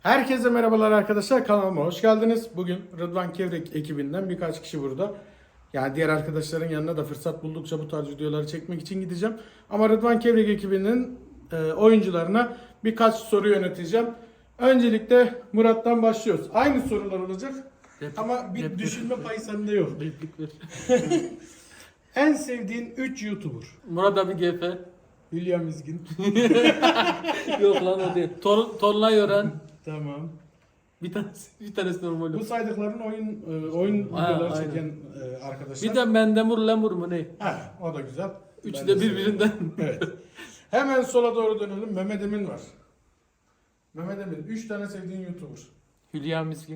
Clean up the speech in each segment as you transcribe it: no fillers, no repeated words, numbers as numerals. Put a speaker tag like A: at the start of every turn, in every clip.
A: Herkese merhabalar arkadaşlar, kanalıma hoş geldiniz. Bugün Rıdvan Kevrek ekibinden birkaç kişi burada. Yani diğer arkadaşların yanına da fırsat buldukça bu tarz videoları çekmek için gideceğim. Ama Rıdvan Kevrek ekibinin oyuncularına birkaç soru yöneteceğim. Öncelikle Murat'tan başlıyoruz. Aynı sorular olacak ama bir düşünme payı sende yok.
B: Replik ver.
A: En sevdiğin 3 YouTuber?
B: Murat abi GF.
A: Hülya Mizgin.
B: Yok lan o değil. Tonlay öğren.
A: Tamam.
B: Bir tanesi normal.
A: Bu saydıkların oyun videoları
B: aynen.
A: çeken arkadaşlar.
B: Bir de Mendemur Lemur mu ne?
A: Ha, o da güzel.
B: Üçü
A: Ben
B: de
A: seviyorum.
B: birbirinden.
A: Evet. Hemen sola doğru dönelim. Mehmet Emin var. Mehmet Emin. 3 tane sevdiğin YouTuber.
B: Hülya Miskin.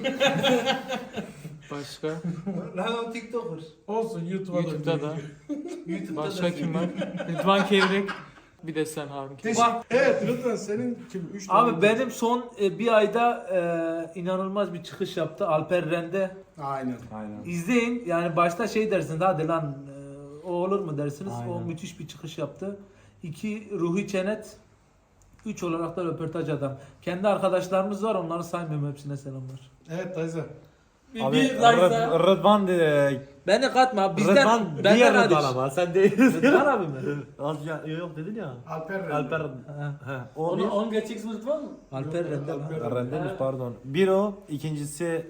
B: Başka?
C: Lan o TikToker.
A: Olsun YouTube'a
B: YouTube'da da.
C: YouTube'da
B: Başka
C: da
B: kim var? Rıdvan Kevrek. Bir de sen Harun.
A: Bak. Evet Rıdvan senin kim? 3 tane.
C: Abi benim son bir ayda inanılmaz bir çıkış yaptı Alper Rende.
A: Aynen.
C: İzleyin yani başta şey dersiniz hadi lan o olur mu dersiniz.
B: Aynen.
C: O müthiş bir çıkış yaptı. 2 Ruhi Çenet. 3 olarak da röportaj adam. Kendi arkadaşlarımız var onları saymıyorum hepsine selamlar.
A: Evet Tayza.
B: Bir Zaysa.
D: Rıdvan
C: Beni katma abi, bizden
D: Rıdvan
C: benden
D: diğer
C: hariç.
D: Rıdvan ama sen değilsin.
C: Rıdvan abi mi?
D: Az ya, yok dedin ya.
A: Alper Rende.
D: Alper.
C: Ha,
D: He. O
B: Onu
D: bir.
B: 10 geçecek Rıdvan mı?
C: Alper
A: Yok,
C: Rende
A: Alper
C: lan.
D: Rendemiş pardon. Bir o. İkincisi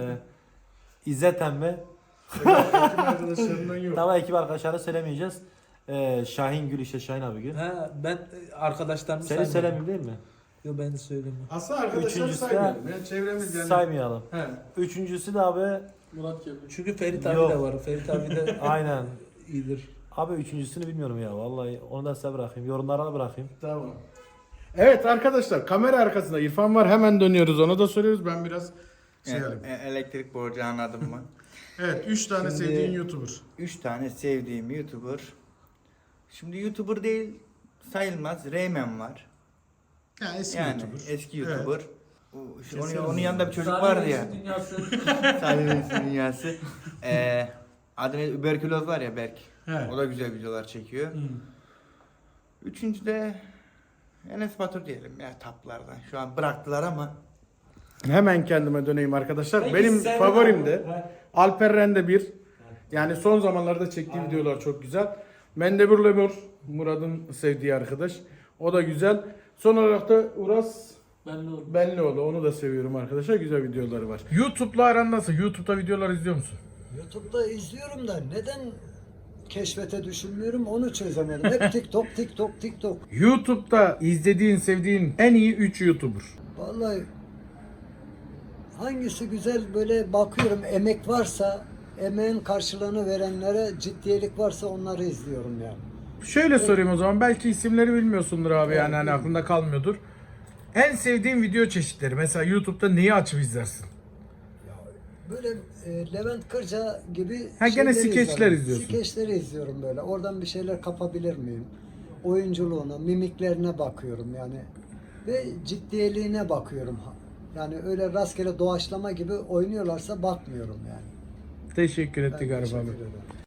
D: İzzet Emre.
A: Ekip arkadaşlarından yok.
D: Tamam ekip arkadaşları söylemeyeceğiz. Şahin Gül işte Şahin abi Gül.
C: Ha, ben arkadaşlarımı
D: Seni
C: saymıyorum.
D: söylemeyeyim değil mi?
C: Yok ben de söylemiyorum.
A: Aslında arkadaşlar
D: Üçüncüsü de-
A: saymayalım. Yani çevremiz yani.
D: Saymayalım.
A: He.
D: Üçüncüsü de abi
B: Murat Kevrek.
C: Çünkü Ferit abi
D: Yok.
C: de var. Ferit abi de
D: aynen.
C: iyidir.
D: Abi üçüncüsünü bilmiyorum ya vallahi onu da size bırakayım. Yorumlara da bırakayım.
A: Tamam. Evet arkadaşlar kamera arkasında İrfan var. Hemen dönüyoruz. Ona da soruyoruz. Ben biraz şey alayım.
E: Elektrik borcu anladın mı?
A: Evet 3 tane
E: Şimdi-
A: sevdiğin YouTuber.
E: 3 tane sevdiğim YouTuber. Şimdi YouTuber değil sayılmaz. Rayman var.
A: Ya eski
E: Yani
A: YouTuber.
E: eski
A: Evet.
E: YouTuber.
A: Kesin
E: Onun yanında bir çocuk
C: Salih
E: vardı ya.
C: Reis'in dünyası.
E: Salih Reis'in dünyası. Adı ne? Überküloz var ya Berk.
A: He.
E: O da güzel videolar çekiyor. Üçüncü de Enes Batur diyelim ya taplardan. Şu an bıraktılar ama.
A: Hemen kendime döneyim arkadaşlar.
C: Peki
A: Benim
C: sen-
A: favorim de Alper Rende 1. Yani son zamanlarda çektiği videolar çok güzel. Mendebur Lemur, Murat'ın sevdiği arkadaş. O da güzel. Son olarak da Uras
B: Belli oldu.
A: Benlioğlu. Onu da seviyorum arkadaşlar. Güzel videoları var. YouTube'la aran nasıl? YouTube'da videolar izliyor musun?
F: YouTube'da izliyorum da neden keşfete düşünmüyorum onu çözemedim. Hep TikTok, TikTok, TikTok.
A: YouTube'da izlediğin, sevdiğin en iyi 3 YouTuber.
F: Vallahi hangisi güzel böyle bakıyorum emek varsa emeğin karşılığını verenlere ciddiyelik varsa onları izliyorum yani.
A: Şöyle sorayım o zaman. Belki isimleri bilmiyorsundur abi yani hani aklında kalmıyordur. En sevdiğin video çeşitleri. Mesela YouTube'da neyi açıp izlersin?
F: Böyle Levent Kırca gibi
A: Ha, gene
F: şeyleri
A: skeçler
F: izliyorum.
A: izliyorsun.
F: Skeçleri izliyorum böyle. Oradan bir şeyler kapabilir miyim? Oyunculuğuna, mimiklerine bakıyorum yani. Ve ciddiyeliğine bakıyorum. Yani öyle rastgele doğaçlama gibi oynuyorlarsa bakmıyorum yani.
A: Teşekkür
F: Ben
A: ettik Arif
F: teşekkür
A: abi.
F: ederim.